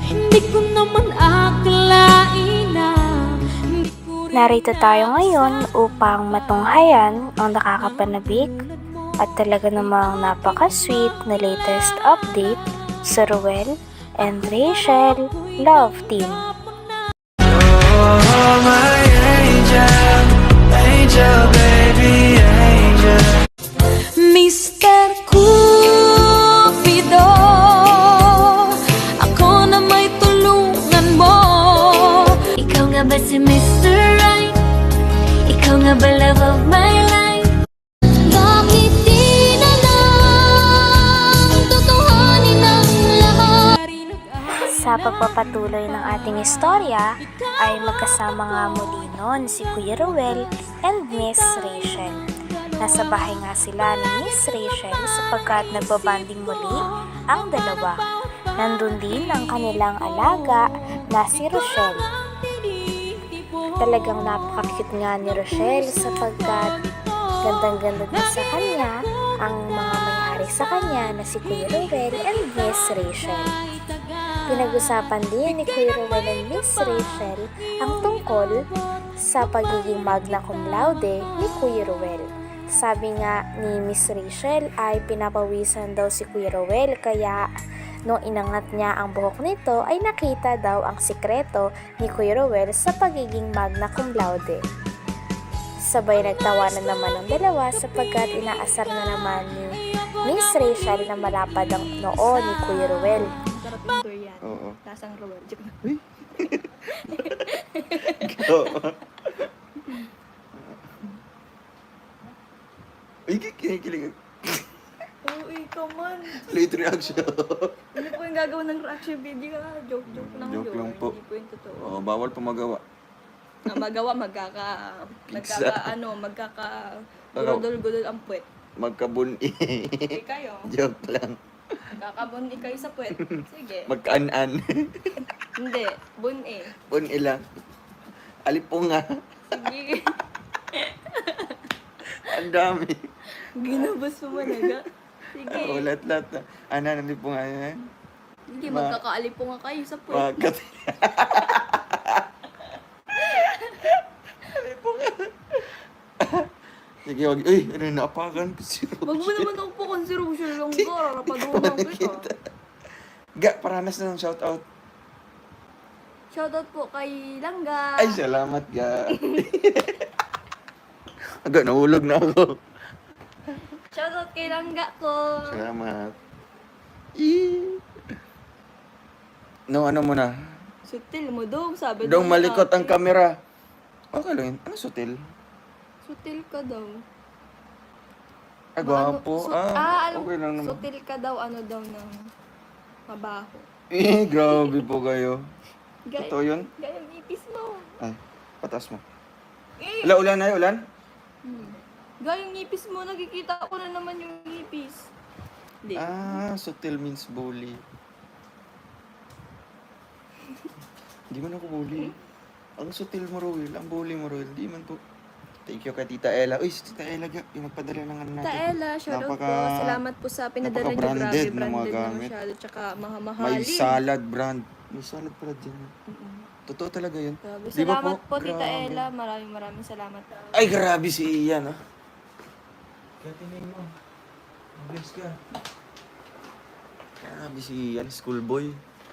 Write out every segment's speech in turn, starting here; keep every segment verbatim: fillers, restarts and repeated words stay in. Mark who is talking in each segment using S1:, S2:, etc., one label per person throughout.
S1: Hindi ko naman akalain na
S2: Narito tayo ngayon upang matunghayan ang nakakapanabik at talaga namang napaka-sweet na latest update sa Ruel and Rachel Love Team.
S3: Oh, my angel, angel, baby, angel.
S1: Mister Cupido, ako na may tulungan mo. Ikaw nga ba si Mister Right? Ikaw nga ba love of my life? Bakit di na lang tutuhanin ang lahat?
S2: Sa pagpapatuloy ng ating istorya ay magkasama nga muli noon si Kuya Ruel and Miss Rachel. Nasa bahay nga sila ni Miss Rachel sapagkat nagbabanding muli ang dalawa. Nandun din ang kanilang alaga na si Rochelle. Talagang napaka-cute nga ni Rochelle sapagkat gandang-ganda din sa kanya ang mga may-ari sa kanya na si Kuya Ruel and Miss Rachel. Pinag-usapan din ni Kuya Ruel and Miss Rachel ang tungkol sa pagiging magna cum laude ni Kuya Ruel. Sabi nga ni Miss Rachel ay pinapawisan daw si Kuya Ruel kaya nung inangat niya ang buhok nito ay nakita daw ang sikreto ni Kuya Ruel sa pagiging magna cum laude. Sabay nagtawanan naman ang dalawa sapagkat inaasar na naman ni Miss Rachel na malapad ang noo ni Kuya Ruel.
S4: Sarap yung durian.
S5: Oo.
S4: Lasang Ruel. Joke lang.
S5: Go. Ay, kinikilig.
S4: Oo, ikaw man.
S5: Late reaction.
S4: Hindi po yung gagawin ng reaction video ka. Joke, joke lang
S5: Joke
S4: yun.
S5: lang po.
S4: Hindi po yung totoo.
S5: Oh, bawal pa magawa.
S4: Na magawa, magkaka...
S5: Pizza.
S4: Magkaka, ano, magkaka...
S5: Ano?
S4: Gudol-gudol ang puwet.
S5: Magkabuni.
S4: Sige kayo.
S5: Joke lang.
S4: Magkakabuni kayo sa puwet. Sige.
S5: Magkaan-an.
S4: Hindi. Bun-e.
S5: Buni lang. Alipunga.
S4: Sige.
S5: Ang dami.
S4: Ginabas mo managa. Sige.
S5: Oh, lahat-lahat na. Ano, nalipunga yan.
S4: Sige,
S5: Ma-
S4: magkakaalipo nga kayo sa puwet.
S5: Makat. Alipunga. Sige, wag. Uy, ano, naapakan ko si
S4: Wag mo
S5: Rochelle.
S4: naman ako po consideration lang ka. Rarapaduhan kita.
S5: Ga, paranas na ng shoutout.
S4: Shoutout po kay Langga.
S5: Ay, salamat, ga. Aga, nahulog na ako.
S4: Shoutout kay Langga ko.
S5: Salamat. Eee. No, ano mo na?
S4: Sutil mo dong, sabi
S5: Dong
S4: nung
S5: malikot ang
S4: ate.
S5: kamera. Okay lang yun. Ano sutil?
S4: Sutil ka daw.
S5: Ah, gwapo.
S4: Su-
S5: Ah,
S4: ah, alam,
S5: okay lang naman.
S4: sutil ka daw, ano daw ng mabaho.
S5: Eh, grabe po kayo.
S4: Gaya,
S5: Totoo yun?
S4: gaya ang ipis mo.
S5: Ay, patas mo.
S4: Eh,
S5: Wala, ulan na ulan?
S4: hmm. Gaya ang ipis mo, nakikita ko na naman yung ipis. Hindi.
S5: Ah, sutil means bully. Di man ako bully. Ang sutil mo, Roel. Ang bully mo, Roel. Di man po. Thank you kay Tita Ella. Uy, si Tita Ella, ga. Yung nagpadala ng ano natin.
S4: Ta Ella, shoutout po.
S5: Napaka-
S4: Salamat po sa pinadala niyo.
S5: napaka-branded
S4: Grabe,
S5: na mga
S4: branded na
S5: gamit.
S4: masyado. Tsaka
S5: May
S4: mahamahalin.
S5: salad brand. May salad brand din. Totoo talaga yun.
S4: Grabe.
S5: Di ba
S4: Salamat po, Tita
S5: Grabe.
S4: Ella. Maraming maraming salamat.
S5: Ay, grabe si Ian, ah. Kaya tinayin mo. Bless ka. Grabe si Ian, schoolboy.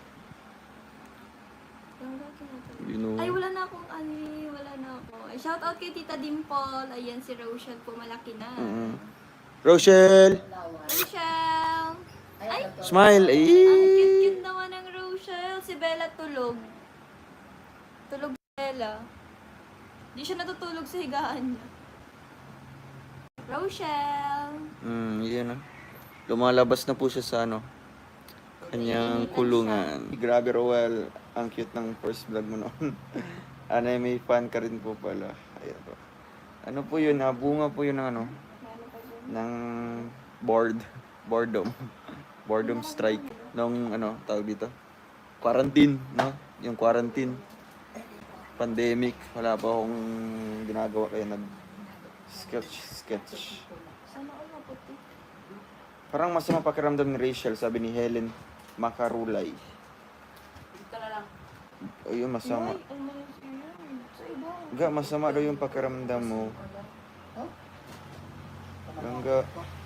S5: You know.
S4: Ay, wala na akong ani, wala na ako. Ay, shout out kay Tita Dimple. Ayan, si Rochelle po, malaki na.
S5: Mm. Rochelle!
S4: Rochelle! Ay,
S5: Smile! Ay!
S4: ang cute-cute naman ng Rochelle. Si Bella tulog. Tulog si Bella. Di siya natutulog sa higaan niya. Rochelle!
S5: Hmm, yan ah. Lumalabas na po siya sa ano, kanyang kulungan. Grabe, Roel. Ang cute ng first vlog mo noon. Ano, may fan ka rin po pala. Ayan po. Ano po yun? Ah, bunga po yun ng ano? Ng bored. Boredom. Boredom strike. Nung ano, tawag dito? Quarantine, no? Yung quarantine. Pandemic. Wala pa akong ginagawa kaya nag sketch, sketch.
S4: Sana all maputi.
S5: Parang masama pakiramdam ni Rachel, sabi ni Helen Macarulay. O yun, masama.
S4: Ay, ang malas yun. Sa iba.
S5: Ga, masama daw yung pakiramdam mo. Langga.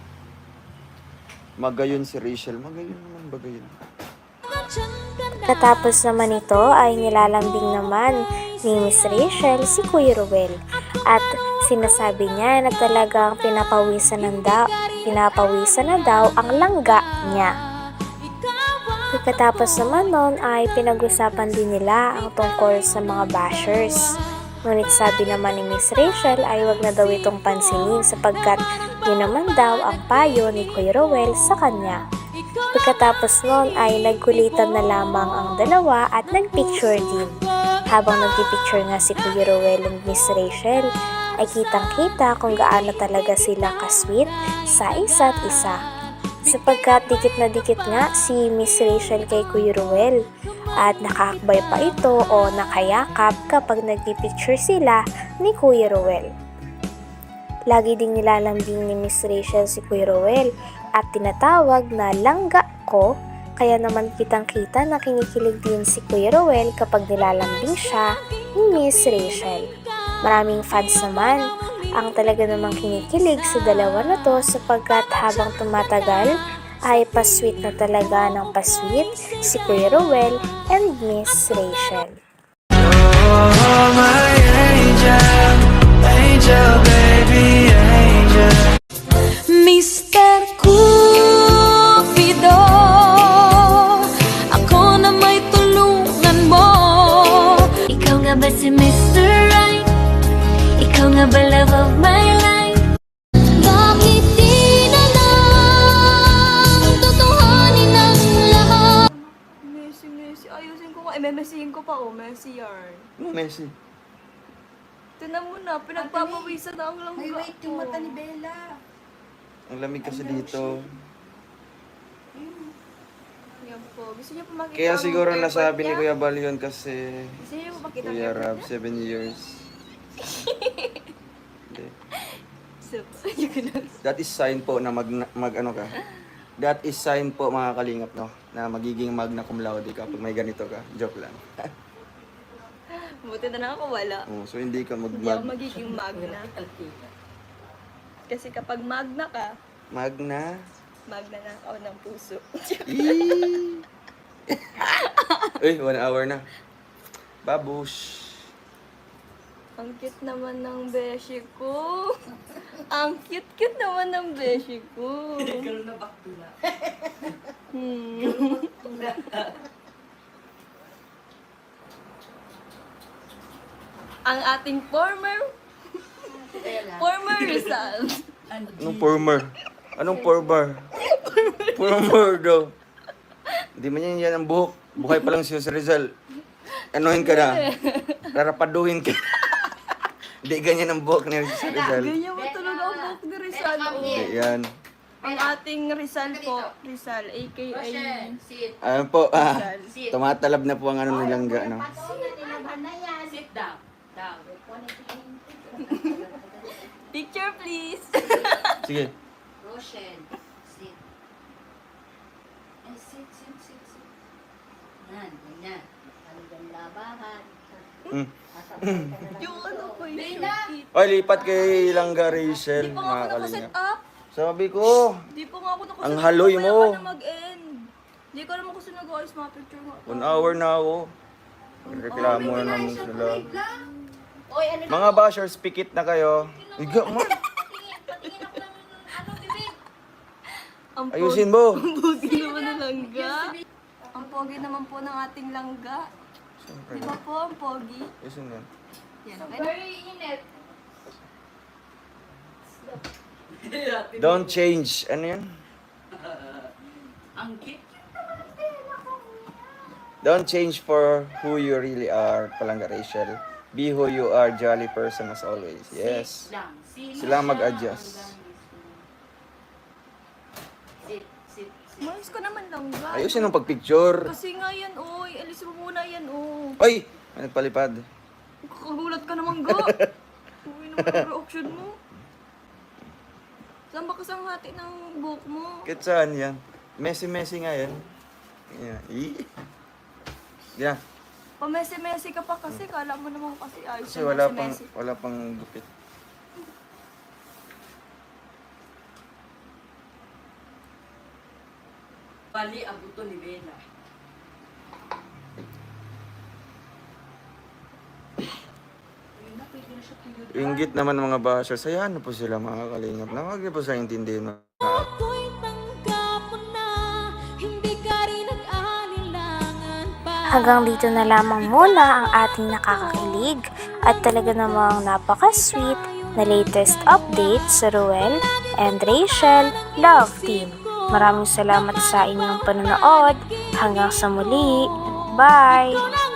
S5: Magayon si Rachel. Magayon naman, bagayon.
S2: Katapos naman ito ay nilalambing naman ni Miss Rachel si Kuya Ruel at sinasabi niya na talagang pinapawisan na daw, pinapawisan na daw ang langga niya. Pagkatapos naman nun ay pinag-usapan din nila ang tungkol sa mga bashers. Ngunit sabi naman ni Miss Rachel ay wag na daw itong pansinin sapagkat yun naman daw ang payo ni Kuya Ruel sa kanya. Pagkatapos nun ay nagkulitan na lamang ang dalawa at nagpicture din. Habang nagpipicture nga si Kuya Ruel and Miss Rachel, ay kitang-kita kung gaano talaga sila kasweet sa isa't isa. Sapagkat dikit na dikit nga si Miss Rachel kay Kuya Ruel at nakakbay pa ito o nakayakap kapag nagpipicture sila ni Kuya Ruel. Lagi ding nilalambing ni Miss Rachel si Kuya Ruel at tinatawag na langga ko, kaya naman kitang-kita na kinikilig din si Kuya Ruel kapag nilalambing siya ni Miss Rachel. Maraming fans naman ang talaga namang kinikilig sa dalawa na to sapagkat habang tumatagal ay pasweet na talaga ng pasweet si Kuya Ruel and Miss Rachel.
S3: Oh, my angel, angel, baby, angel.
S1: Mister Cupido, ako na may tulungan mo. Ikaw nga ba si Mister Right? Ikaw nga ba love of my life? Bakit di na lang tutuhanin ang lahat?
S4: Messi, Messi. Ayusin ko nga. Eh, memesihin ko pa, oh. Messi yarn.
S5: Ano, Messi?
S4: Tinan mo na, pinagpapawisan na ang langga.
S6: May wait yung mata ni Bella.
S5: Ang lamig kasi dito.
S4: Yan po. Gusto niyo pa makita
S5: Kaya
S4: ang
S5: siguro
S4: airport
S5: nasabi ni
S4: niya?
S5: Kuya Bal yun kasi
S4: Gusto niyo pa makita ang
S5: Kuya
S4: airport
S5: Rab,
S4: niya?
S5: seven years. Hindi.
S4: So, yun na.
S5: That is sign po na mag, mag ano ka. That is sign po mga kalingap, no? Na magiging magna cum laude ka pag may ganito ka. Joke lang.
S4: Buti na lang ako wala.
S5: Oh, so hindi ka mag,
S4: Hindi ako
S5: mag
S4: magiging magna. Kasi kapag magna ka,
S5: magna.
S4: magna na ako ng puso.
S5: Eee! Uy, one hour na. Babush.
S4: Ang cute naman ng beshi ko. Ang cute-cute naman ng beshi ko.
S6: Girl na bakula.
S4: Hmm. Ang ating former former Rizal.
S5: Anong former? Anong former? Former daw. Hindi man yan yan ang buhok. Buhay pa lang siya sa Rizal. Anuhin ka na. Rarapaduhin ka. Hindi ganyan ang buhok ni sa Rizal.
S4: Ganyan mo talaga ang buhok ni Rizal. oh.
S5: Hindi yan.
S4: Ang ating Rizal po, Rizal, a k a.
S5: Ayun po, ah, tumatalab na po ang ano nilang ga, no?
S6: Sit down. Down.
S4: Picture please.
S5: Sige.
S6: Roshen. Sit. Eh, sit, sit, sit, sit. Yan, ganyan. Hanggang labahan.
S5: Mm.
S4: Yung ano ko yung
S6: Bella!
S4: short
S5: Oy, lipat kay Langga Rachel,
S4: Di pa nga
S5: mga
S4: ako nakaset
S5: kalingap.
S4: up.
S5: Sabi ko,
S4: Di pa nga ako nakaset
S5: Ang
S4: up.
S5: haloy
S4: Mamaya
S5: mo.
S4: ka na mag-end. Di ko naman kasi nag-ayos mga picture mo.
S5: one hour na ako. Reklamo na naman sila.
S6: Oy, ano na?
S5: Mga bashers, pikit na kayo. Iga mo.
S1: Patingin ako ng ano, bibig.
S4: Ang
S5: Ayusin mo.
S4: Ang pogi naman ng langga. Ang pogi naman po ng ating langga.
S5: Siyempre.
S4: Di ba po ang pogi?
S5: Ayusin mo yan.
S4: Yan, okay na.
S6: Very init.
S5: Don't change. Ano yan?
S6: Ang cute.
S5: Don't change for who you really are, Palangga Rachel. Be who you are, jolly person as always. Yes.
S6: Sit lang. Sino
S5: Sila
S6: siya?
S5: mag-adjust.
S6: Sit, sit, sit.
S4: Mayos ka naman langga.
S5: Ayusin ang pagpicture.
S4: Kasi nga yan, oy. Alis mo muna yan, oh.
S5: Ay! May nagpalipad.
S4: Kakagulat ka naman, ga. Uy naman ang reaction mo. Saan ba kasang hati ng buhok mo?
S5: Kahit saan yan? Messy-messy nga yan. Yeah. Ih. Yeah.
S4: Pamesi-mesi ka pa kasi, kala mo naman kasi ayos
S5: Kasi
S4: na
S5: wala pang,
S4: mesi-mesi.
S5: wala pang gupit.
S6: Bali, ang buto ni Bella. Ayun na, pwede na siya tuyod.
S5: Inggit naman ng mga bashers. Hayaan na po sila mga kalingap. Na huwag niyo po sa intindihin.
S1: Ako'y tanggap mo na, hindi ka rin nag-alinlangan pa.
S2: Hanggang dito na lamang muna ang ating nakakakilig at talaga namang napaka-sweet na latest update sa Ruel and Rachel Love Team. Maraming salamat sa inyong panonood. Hanggang sa muli. Bye!